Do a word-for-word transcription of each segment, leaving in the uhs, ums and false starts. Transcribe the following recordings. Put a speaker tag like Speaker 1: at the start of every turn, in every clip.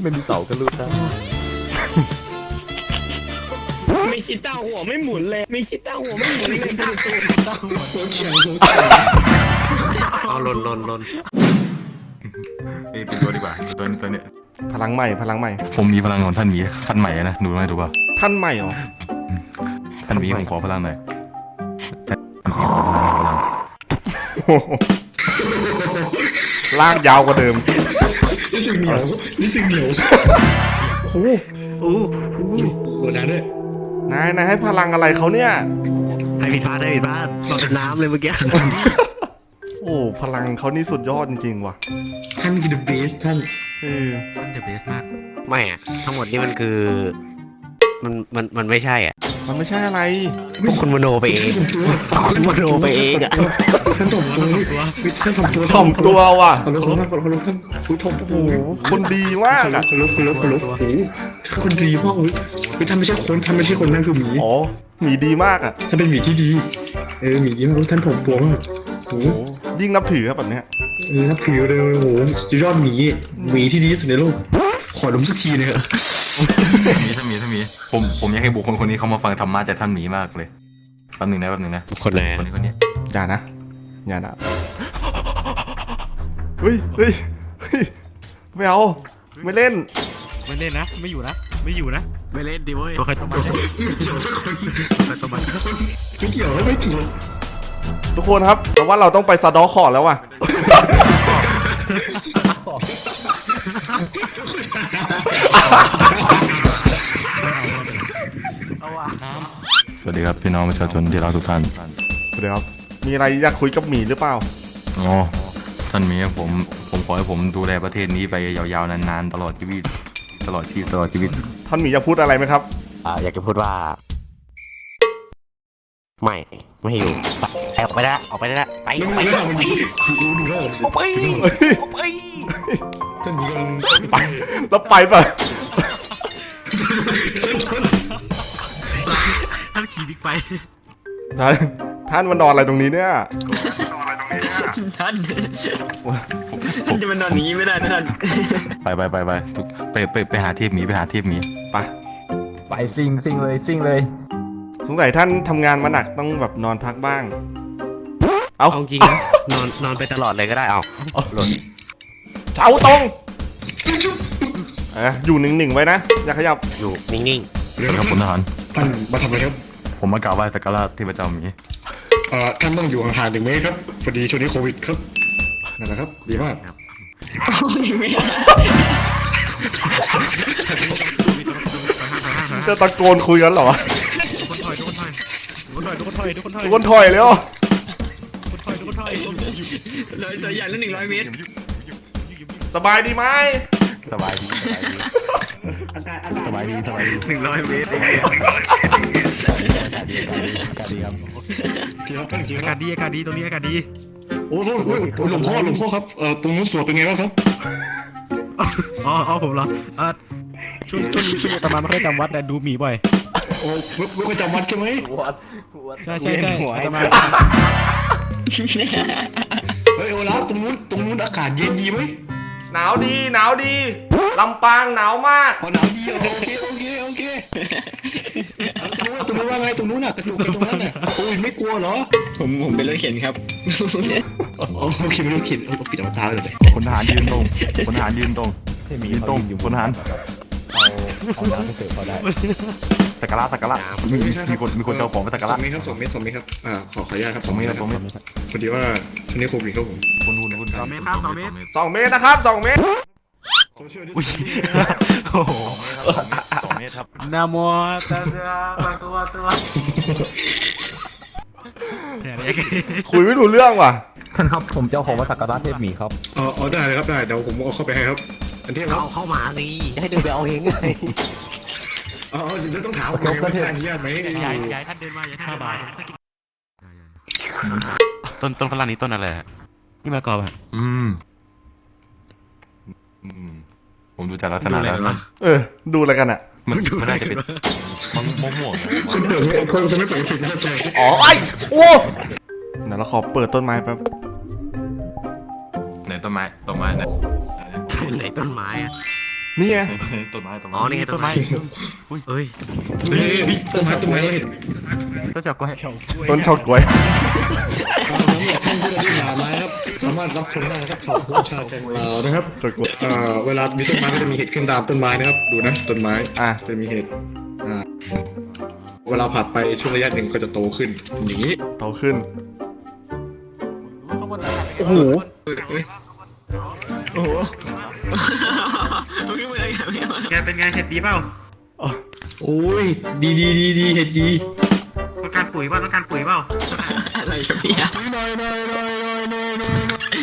Speaker 1: ไม่มีเสาก็รูดได้
Speaker 2: ไม่คิดต้าหัวไม่หมุนเลยไม่คิดต้าหัวไม่หมุนเลยต้าหัวต้าหัว
Speaker 3: ตัวเขียวตัว
Speaker 1: เอาลนลนลน
Speaker 4: เอ้ยเป็นตัวดีกว่าตัวนี้ตัวนี้
Speaker 5: พลังใหม่พลังใหม่
Speaker 4: ผมมีพลังของท่านหมีท่านใหม่นะดูไหมดูป่ะ
Speaker 5: ท่านใหม่เหรอ
Speaker 4: ท่านหมีผมขอพลังหน่อย
Speaker 5: ลากยาวกว่าเดิม
Speaker 3: นี่สึกเหนียวนี่สึกเหนียว
Speaker 5: โอ้โห
Speaker 1: โอ้โห
Speaker 3: โหนะด้วย
Speaker 5: นายนายให้พลังอะไรเขาเนี่ย
Speaker 1: ให้ผิดพลาดให้ผิดพลาดตกเป็นน้ำเลยเมื่อกี้
Speaker 5: โอ้พลังเขานี่สุดยอดจริงๆว่ะ
Speaker 3: ท่านคือ the best ท่าน
Speaker 5: เออ
Speaker 1: ท่านเดอะเบสมากไม่อะทั้งหมดนี่มันคือมันมันมันไม่ใช่อ่ะ
Speaker 5: มันไม่ใช่อะไร
Speaker 1: พวกคุณมโนไปเองคุณมโนไปเองอ่ะ
Speaker 3: ท่านถ่อมตัวท่านถ่อมตัว
Speaker 5: ถ่อมตัวว่ะ
Speaker 3: ขอรบขอรบขอรบท่านอุ้ยถ่อม
Speaker 5: โอ้
Speaker 3: โอ้
Speaker 5: โห
Speaker 3: โห
Speaker 5: คนดีมากอ่ะ
Speaker 3: ขอรบขอรบขอรบโอ้โหคนดีมากอุ้ยอุ้ยท่านไม่ใช่คนท่านไม่ใช่คนนั่นคือหมี
Speaker 5: อ๋อหมีดีมากอ่ะ
Speaker 3: ท่านเป็นหมีที่ดีเออหมีที่มากท่านถ่อมตัวมากโอ้โห
Speaker 5: โอ้ยิ่งนับถือครับแบบเนี้ย
Speaker 3: เออนับถือเลยโอ้โหสุดยอดหมีหมีที่ดีที่สุดในโลกขอดมสักทีเลยเถอะ
Speaker 4: ท่านหมีท่านหมีท่านหมีผมผมอยากให้บุคคลคนนี้เขามาฟังธรรมะจากท่านหมีมากเลยแป๊บหนึงนะแป๊บหนึงนะ
Speaker 1: คนไหน
Speaker 4: คนนี้คนนี้
Speaker 5: อย่านะอย่านะเฮ้ยเฮ้ยเฮ้ยไม่เอาไม่เล่น
Speaker 6: ไม่เล่นนะไม่อยู่นะไม่อยู่นะ
Speaker 1: ไม่เล่นดิเว้ย
Speaker 6: ตัวใครตัวมัน
Speaker 3: ไม่เกี่ยวสักคน
Speaker 6: ตัวใครตัวมัน
Speaker 3: ไม่เกี่ยวแล้วไม่เกี่ยว
Speaker 5: ทุกคนครับแต่ว่าเราต้องไปซาดอคอร์ดแล้วว่ะ
Speaker 6: เอาว่ะ
Speaker 4: สวัสดีครับพี่น้องประชาชนที่รักทุกท่าน
Speaker 5: เดี๋ยวครับมีอะไรอยากคุยกับหมีหรือเปล่า
Speaker 4: อ๋อท่านหมีผมผมขอให้ผมดูแลประเทศนี้ไปยาวๆนานๆตลอดชีวิตตลอดชีวิตตลอดชีวิต
Speaker 5: ท่านหมีอยากพูดอะไรไหมครับ
Speaker 1: อ่าอยากจะพูดว่า ไม่ไม่ให้อยู่ไปออกไปได้ละออกไปได้ละไป
Speaker 3: แล้ว
Speaker 1: ไป
Speaker 3: มัน
Speaker 1: ไป
Speaker 3: แล้วมันดูดูดูแล้ว
Speaker 1: ออกไปออกไป
Speaker 3: ท่านหมีกำลัง
Speaker 5: ไปแล้วไปป่ะ
Speaker 6: ท่านขี่บิ๊กไป
Speaker 5: ท่านท่านมานอนอะไรตรงนี้เนี่ย
Speaker 2: ท่านท่านจะมานอนอย่างนี้ไม่ได้นะท่าน
Speaker 4: ไปไปไปไปทุกไปไปไปหาเทพหมีไปหาเทพหมี
Speaker 5: ไป
Speaker 7: ไปซิงซิงเลยซิงเลย
Speaker 5: สงสัยท่านทำงานมาหนักต้องแบบนอนพักบ้าง เอา
Speaker 1: เอาจริงนะนอนนอนไปตลอดเลยก็ได้เอาหล่น
Speaker 5: เท้าตรงเอะอยู่หนึ่งๆไว้นะ อย่าขยับ
Speaker 1: อยู่นิ่ง
Speaker 4: ครับคุณทหาร
Speaker 3: ท่านมาทำอะไรครับ
Speaker 4: ผมมากราบไหว้สักการะเทพเจ้าหมี
Speaker 3: เอ่อท่านต้องอยู่ห่างๆหนึ่งเมตรครับพอดีช่วงนี้โควิดครับนั่นแหละครับดีมาก
Speaker 2: ไม่ได้
Speaker 5: จะตะโกนคุยกันเหรอ
Speaker 6: ทุกคนถอยทุกคนถอยทุกคนถอยทุกคนถอยทุกคนถอย
Speaker 5: ทุกคนถอยแล้ว
Speaker 6: ทุกคนถอยทุกคนถอย
Speaker 2: เลยตัวใหญ่แล้วหนึ่งร้อยเมตร
Speaker 5: สบายดีไหม
Speaker 4: สบายดีสบายดี
Speaker 3: อากาศอากาศ
Speaker 4: สบายดีสบายดี
Speaker 1: ๆหนึ่งร้อยเมตร
Speaker 4: อากาศดีอากาศดีอากาศดีครับ
Speaker 3: พี่ครับท่านพี่
Speaker 6: อา
Speaker 3: ค
Speaker 6: กา
Speaker 3: รั
Speaker 6: ศ
Speaker 3: บ
Speaker 6: ดีอากาศดีตรงนี้อากาศดี
Speaker 3: โอ้โหโอ้โหหลวงพ่อหลวงพ่อครับเอ่อตรงนู้นสวดเป็นไงบ้างครับ
Speaker 6: อ๋ออ๋อผมเหรออ่าช่วงช่วงนี้ช่วงนี้อาตมาไม่ค่อยจำวัดแต่ดูหมีบ่อย
Speaker 3: โอ้เว็บเว็บประจำวัดใช่ไหม
Speaker 6: ใช่ใช่ใช่อาตมา
Speaker 3: เฮ้ยโอลาฟตรงนู้นตรงนู้นอากาศเย็นดีไหม
Speaker 5: หนาวดีหนาวดีลำปางหนาวมาก
Speaker 3: พอหนาวดีโอเคโอเคโอเคตรงนู้นตรงนู้นว่าไงตรงนู้นน่ะกระดูกตรงนั้นน่ะโอ้ยไม่กลัวเหรอ
Speaker 2: ผมผมเป็นรถเข็นครับ
Speaker 3: โอเคไม่ต้องขิดเอาปิดเอาตาเลย
Speaker 4: พลทหารยืนตรงพลทหารยืนตรงยืนตรงพลทหาร
Speaker 7: เอาน้ำไปเสิร์ฟเขาได้
Speaker 4: สักการะสักการะมีมีคนมีคนเจ้าของไปสักการะ
Speaker 3: สองเมตรครับสองเมตรสองเมตรครับอ่าขอขออนุญาตครับ
Speaker 4: ผมไม่
Speaker 3: ค
Speaker 4: นะ
Speaker 3: รับ
Speaker 4: ผมไม่
Speaker 3: พอดีว่าช่วงนี้โควิดครับผม
Speaker 4: คุณคุณคุณ
Speaker 6: สองเมตรครับสองเมตร
Speaker 5: สองเมตรนะครับสองเมตร
Speaker 4: อุ้ยโอ้โหสองเมตรครับ
Speaker 6: นะโมตัสสะภะคะวะโตเนี่ยเนี่ย
Speaker 5: คุยไม่รู้เรื่องว่ะ
Speaker 7: ท่านครับผมจะเอาของมาสักการะเทพหมีครับ
Speaker 3: เออเอาได้เลยครับได้เดี๋ยวผมเอาเข้าไปให้ครับ อันที่ครับ
Speaker 1: เอาเข้ามาสิให้เดินไปเอาเองไง
Speaker 3: อ๋อเดี๋ยวต้องถามก่อนว่าได้อนุญาตไหม
Speaker 6: ย้ายย้ายท่านเดินมาย้ายท่านเดินมาถ้ากิน
Speaker 8: ต้นต้นข้างล่างนี้ต้นอะไรฮะ
Speaker 6: นี่มากรอบอ่ะ
Speaker 4: อืมอืมผมดูจากลักษณะแล้วมัน
Speaker 5: เออ ดูอะไรกันอ่ะ
Speaker 4: มันมันน่าจะเป็นมันม่วงๆนะ
Speaker 3: คนเดิมคนคนไม่เปิดสิทธิ์เข้าใจ
Speaker 5: อ๋อไอ้โอ้เดี๋ยวเราขอเปิดต้นไม้แป๊บ
Speaker 4: ไหนต้นไม้ต้นไม้ไหน
Speaker 1: ไหนต้นไม้อะ
Speaker 5: นี่ไง
Speaker 4: ต้นไม้ต้นไม้
Speaker 1: อ๋อนี่ไงต้นไม้เอ้ย
Speaker 3: เฮ้ยต้นไม้ต้นไม้เราเห็น
Speaker 6: เจ้าเฉาก้วย
Speaker 5: ต้นเฉาก๊วย
Speaker 3: เอาสำหรับท่านผู้ที่ผ่านมาครับสามารถรับชมได้นะครับชาวผู้ชาวแกงลาวนะครับ
Speaker 5: เฉาก๊วย
Speaker 3: เอ่อเวลามีต้นไม้ก็จะมีเห็ดขึ้นตามต้นไม้นะครับดูนะต้นไม้
Speaker 5: อ่ะ
Speaker 3: จะมีเห็ดอ่าเวลาผ่านไปช่วงระยะหนึ่งก็จะโตขึ้นอย่างนี้
Speaker 5: โตขึ้น โอ้โห
Speaker 2: โอ้โห
Speaker 6: ไงเป็นไงเห็ดดีเปล่า
Speaker 3: โอ้ยดีดีดีดีเห็ดดี
Speaker 6: ต้องการปุ๋ยเปล่าต้องการปุ๋ยเปล่า
Speaker 2: อะไรกันเนี่ย
Speaker 3: หน่อยหน่อยหน่อยหน่อยหน่อยหน่อย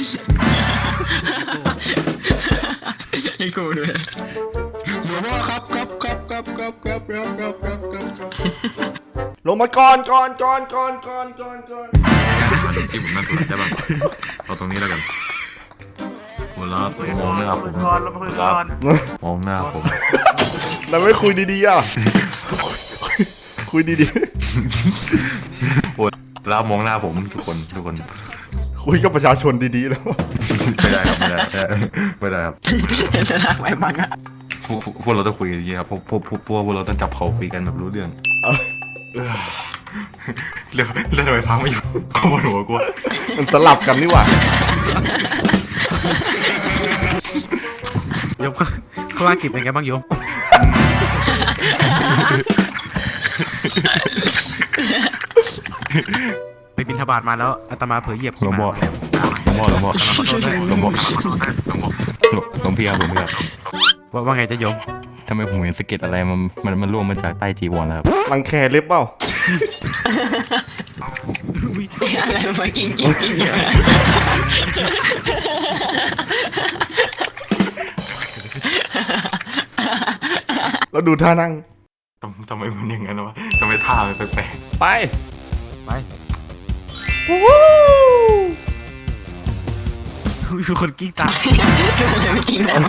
Speaker 2: ให้กูด้วย
Speaker 3: หลวงพ่อครับครับครับครับครับครับครับครับครับครับครับ
Speaker 5: ลงมาก่อนก่อนก่อนก่อนก่อนก่อนก่อน
Speaker 4: ที่ผมนั่งตรงนั้นได้ป่ะเอาตรงนี้แล้วกันหัวเราะมองหน้าผมครับมองหน้าผม
Speaker 5: เราไม่คุยดีๆอ่ะ คุยดี
Speaker 4: หัวเราะมองหน้าผมทุกคนทุกคน
Speaker 5: ๆ คุยกับประชาชนดีๆแล้ว
Speaker 4: ไม่ได้ครับไม่ได้ไม่ได้ครับ
Speaker 2: จะรักไว้บ้างอะ
Speaker 4: พวกพวกเราต้องคุยกันอย่างนี้ครับพวกพวกพวกพวกพวกเราต้องจับเขาคุยกันแบบรู้เรื่อง
Speaker 5: เออ
Speaker 4: เออเรื่องเรื่องทำไมพังไม่อยู่เอาบนหัวกู
Speaker 5: มันสลับกันนี่หว่า
Speaker 6: โยมข้างล่างกิบเป็นไงบ้างโยมไปบินทบาทมาแล้วอาตมาเผยเหยียบ
Speaker 4: หลวงพ่อหลวงพ่อหลวงพ่อหลวงพ่อหลวงพี่ครับหลวงพี่ครับ
Speaker 6: ว่าว่าไงจะโยม
Speaker 4: ทำไมผมเห็นสะเก็ดอะไรมันมันมันร่วงมาจากใต้จีวรแล้วครับ
Speaker 5: รังแคเล็บเปล่า
Speaker 2: อะไรมากินกินกินเยอะ
Speaker 5: แล้วดูท่านั่ง
Speaker 4: ทำทำไมมันอย่างนั้นวะทำไมท่ามันแปลก
Speaker 5: ไป
Speaker 6: ไปมีคนกิ้งตาม
Speaker 2: อะไรมากินแล้ว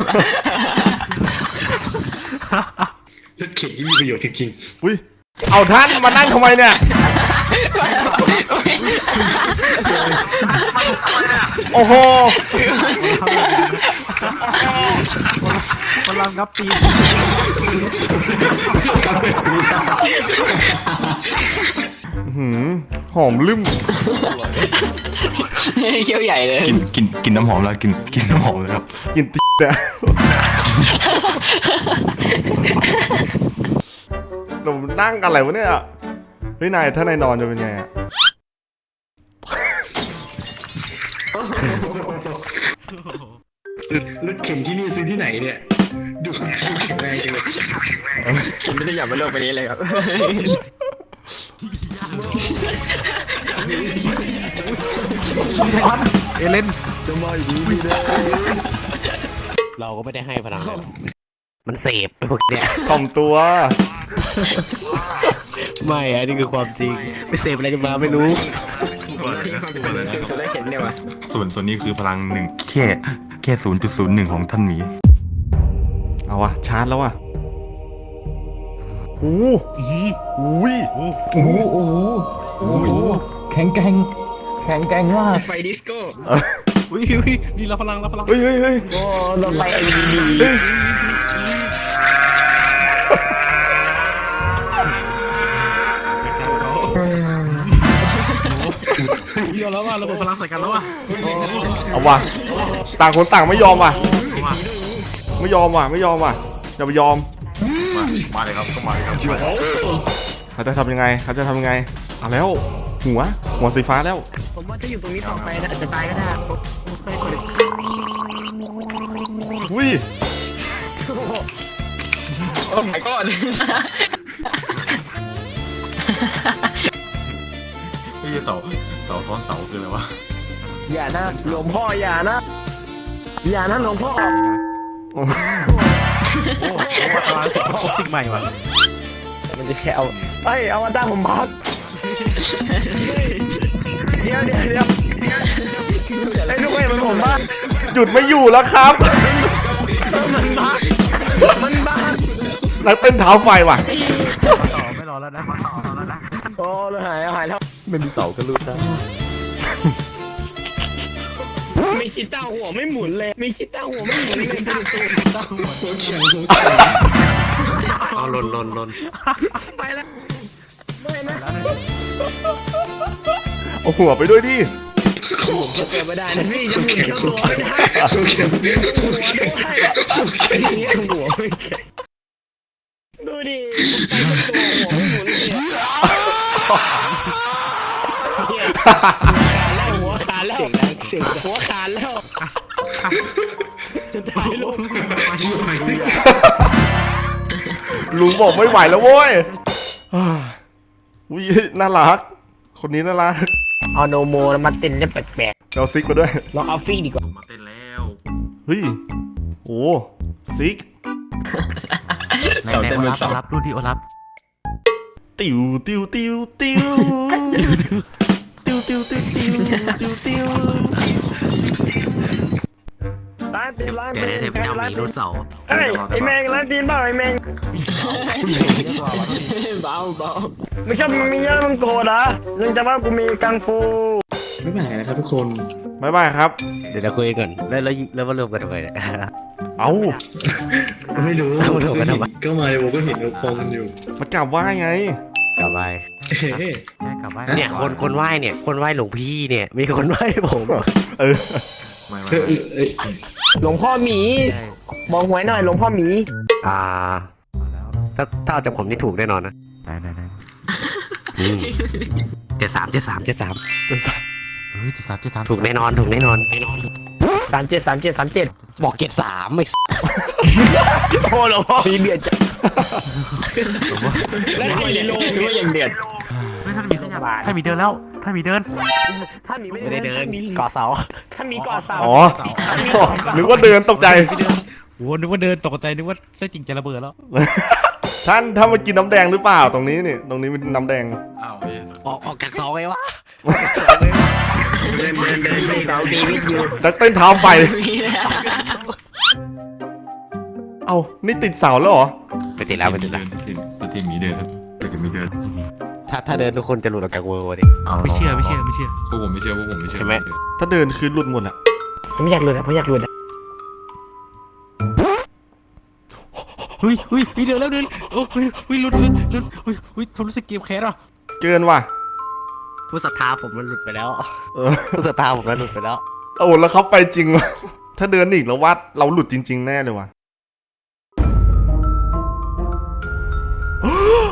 Speaker 3: รถเข็นที่มีประโยชน์จริง
Speaker 5: อุ้ย เอาท่านมานั่งทำไมเนี่ย โอ้โห
Speaker 6: พลังงับปีน
Speaker 5: อื้อหือหอมลืม
Speaker 2: เขี้ยวใหญ่เลย
Speaker 4: ๆกินกินกินน้ำหอมแล้วกินกินน้ำหอมเลยครับ
Speaker 5: กินตีเนี่ยเรานั่งกันอะไรวะเนี่ย เฮ้ยนายถ้านายนอนจะเป็นไงอะ
Speaker 3: ๆรถเข็นที่นี่ซื้อที่ไหนเนี่ยดูแข็งแรงจังเลย
Speaker 2: ผมไม่ได้อยากมาโลกไปนี้เลยครับ
Speaker 6: เอเลน
Speaker 1: เราก็ไม่ได้ให้พลังเลยหรอกมันเสพไปพวกเนี้ย
Speaker 5: ถ่อมตัว
Speaker 1: ไม่อันนี้คือความจริงไม่เสพอะไรกันมาไม่รู้
Speaker 2: จะได้เห็นเนี่ยวะ
Speaker 4: ส่วนส่วนนี้คือพลังหนึ่งแค่แค่ศูนย์จุดศูนย์หนึ่งของท่านหมี
Speaker 5: เอาวะชาร์จแล้ววะโอ้โหอุ้ย
Speaker 7: โอ้โหโอ้โหโอ้โหแข็งแกร่งแข็งแกร่งมาก
Speaker 2: ไฟดิสโก้
Speaker 6: อุ้ยอุ้ยนี่เราพลังเราพลัง
Speaker 5: เฮ้ยเฮ้ยเฮ้ย
Speaker 2: โอ้เราไปเอ็นดี
Speaker 5: เฮ้ย
Speaker 6: เยอะแล้วว่ะระเบิดพลังใส่กันแล้วว่ะ
Speaker 5: เอาวะต่างคนต่างไม่ยอมว่ะ ไม่ยอมว่ะไม่ยอมว่ะอย่าไปยอม
Speaker 4: มามาเลยครับก็มาเลยครับ
Speaker 5: เขาจะทำยังไงเขาจะทำยังไงเอาแล้ว หัวหัวสีฟ้าแล้ว
Speaker 2: ผมว่าจะอยู่ตรงนี้ต่อไปนะอาจจะตายก็ได้ผมเคยคน
Speaker 5: อุ้ย
Speaker 2: โอ้ my god
Speaker 4: เฮ้ยเสาเสาซ้อนเสาคืออะไรวะ
Speaker 2: อย่านะหลวงพ่ออย่านะอย่านะหลวงพ่อ
Speaker 6: โอ้พลังครบสิ่งใหม่ว่ะ
Speaker 2: มันจะแค่เอาเอ้ยเอามาตั้งผมพักเดี๋ยวเดี๋ยวเดี๋ยวไอ้ทุกคนมันผมบ้า
Speaker 5: หยุดไม่อยู่แล้วครับ
Speaker 2: มันบ้ามันบ้า
Speaker 5: นักเต้นเท้าไฟว่ะ
Speaker 6: ต่อไม่รอแล้วนะ
Speaker 2: โอ้เราหายหายแล้ว
Speaker 7: ไม่มีเสาก็รูดได้
Speaker 2: ไม่ชิต้าหัวไม่หมุนเลยมีชิต้าหัวไม่หมุนเลยดูดู
Speaker 3: หัวแข็งหัวแข็ง
Speaker 1: เอาหล่นหล่นหล่น
Speaker 2: ไปแล้วไม่นะ
Speaker 5: เอาหัวไปด้วยดิ
Speaker 2: ผมจะเกิดไม่ได้นะพี่จะหมุนเจ้าตัวไม่ได้
Speaker 3: หัวแข็ง
Speaker 2: หัวด้วยไอ้เนี้ยหัวไม่แข็งดูดิตัวหัวไม่หมุนเลยหัวขาดแล้วเสียงหัวขาดแล้วถ่ายรูป
Speaker 5: ลุงบอกไม่ไหวแล้วโว้ยอุ้ยน่ารัก คนนี้น่ารัก
Speaker 2: เอาโนโมแล้วมาเต้นได้แปลก
Speaker 5: เอาซิกมาด้วย
Speaker 2: ๆลองเอาฟี่ดีกว่า
Speaker 4: มาเต้นแล้ว
Speaker 5: เฮ้ยโอ้ซิก
Speaker 6: ในในโอรับโอรับรุ่นที่โอรับ
Speaker 5: ติวติวติวติวติวติวติวติวติวติว
Speaker 2: ร้านตีนร้าน
Speaker 1: เดี๋ยวได้เทพเจ้าหมีรุ่นเสาร์
Speaker 2: เฮ้ยไอแมงร้านตีนเปล่าไอแมงเบาเบาไม่ชอบมึงมีเยอะมึงโกรธเหรอมึงจะว่ากูมีกังฟู
Speaker 3: ไม่เป็นไรนะครับทุกคน
Speaker 5: บ๊ายบายครับ
Speaker 1: เดี๋ยวเราคุยก่อนแล้วแล้วแล้วมารวมกันทำไมเนี่ย
Speaker 5: เอ้า
Speaker 3: ไม่รู้
Speaker 1: เอาเถอะมาทำไม
Speaker 3: ก็มาในวงก็เห็นเราพองกันอยู่
Speaker 5: มากราบไหว้ไง
Speaker 1: กลับไป
Speaker 3: เฮ้ย
Speaker 6: แค่กลับบ้าน
Speaker 1: เนี่ยคนคนไหว้เนี่ย คนไหว้หลวงพี่เนี่ย มีคนไหว้ผม
Speaker 5: เออ
Speaker 4: ไม่ไม่
Speaker 3: เฮ้ยเอ้ย
Speaker 2: หลวงพ่อหมีบอกหวยหน่อยหลวงพ่อหมี
Speaker 1: อ่า ถ้าถ้าเอาจากผมนี่ถูกแน่นอนนะ
Speaker 6: ได้ได้ได้
Speaker 1: เจ็ดสามเจ็ดสามเจ็ดสาม
Speaker 6: เฮ้ยจะสามจะสาม
Speaker 1: ถูกแน่นอนถูกแน่นอนแน่นอน
Speaker 2: สามเจ็ดสามเจ็ดสามเจ็ด
Speaker 1: บอกเจ็ดสามไม่
Speaker 2: โอ้หลวงพ่อหมีเดือดจังแล้วไอ้โลงหรือว่ายังเดือด
Speaker 6: เฮ้ยท่านมีท่านมีเดินแล้วท่านมีเดิน
Speaker 2: ถ้าหมี
Speaker 1: ไม่ได้เดิน
Speaker 2: มี
Speaker 1: ก่อเสา
Speaker 2: ถ้าหมีก่อเสา
Speaker 5: อ๋อนึกว่าเดินตกใจ
Speaker 6: โอ้นึกว่าเดินตกใจนึกว่าไส้จริงจะระเบิดแล้ว
Speaker 5: ท่านถ้ามากินน้ำแดงหรือเปล่าตรงนี้นี่ตรงนี้เป็นน้ำแดง
Speaker 4: อ้าวเฮ้ย
Speaker 1: ออกออกจากเสาไงวะ
Speaker 2: เดินเดินเดินเดินเสาตีวิทยุ
Speaker 5: จะเต้นเท้าไฟ เอานี่ติดเสาแล้วเหรอ
Speaker 1: ไปติดแล้วไปติดแล้ว
Speaker 4: ทีมทีมหมีเดินแต่ทีมหมีเดิน
Speaker 1: ถ้าถ้าเดินทุกคนจะหลุดออกจากเวอร์ดิ
Speaker 4: เอา
Speaker 6: ไม่เชื่อไม่เชื่อไม่เชื่อ
Speaker 4: พวกผมไม่เชื่อพวกผมไม่เชื่อ
Speaker 1: ใช่ไหม
Speaker 5: ถ้าเดินคือหลุดหมดอะ
Speaker 2: ผมอยากหลุดอ่ะผมอยากหลุดอ่ะ
Speaker 6: เฮ้ยเฮ้ยเดินแล้วเดินโอ้ยเฮ้ยลุ้นลุ้นลุ้นเฮ้ยเฮ้ยผมรู้สึกเกมแคสอ่ะ
Speaker 5: เกินว่ะ
Speaker 1: ผู้ศรัทธาผมมันหลุดไปแล้ว
Speaker 5: เออ
Speaker 1: ผู้ศรัทธาผมมันหลุดไปแล้ว
Speaker 5: โอ้แล้วเขาไปจริงวะถ้าเดินอีกแล้ววัดเราหลุดจริง ๆ แน่เลยว่ะ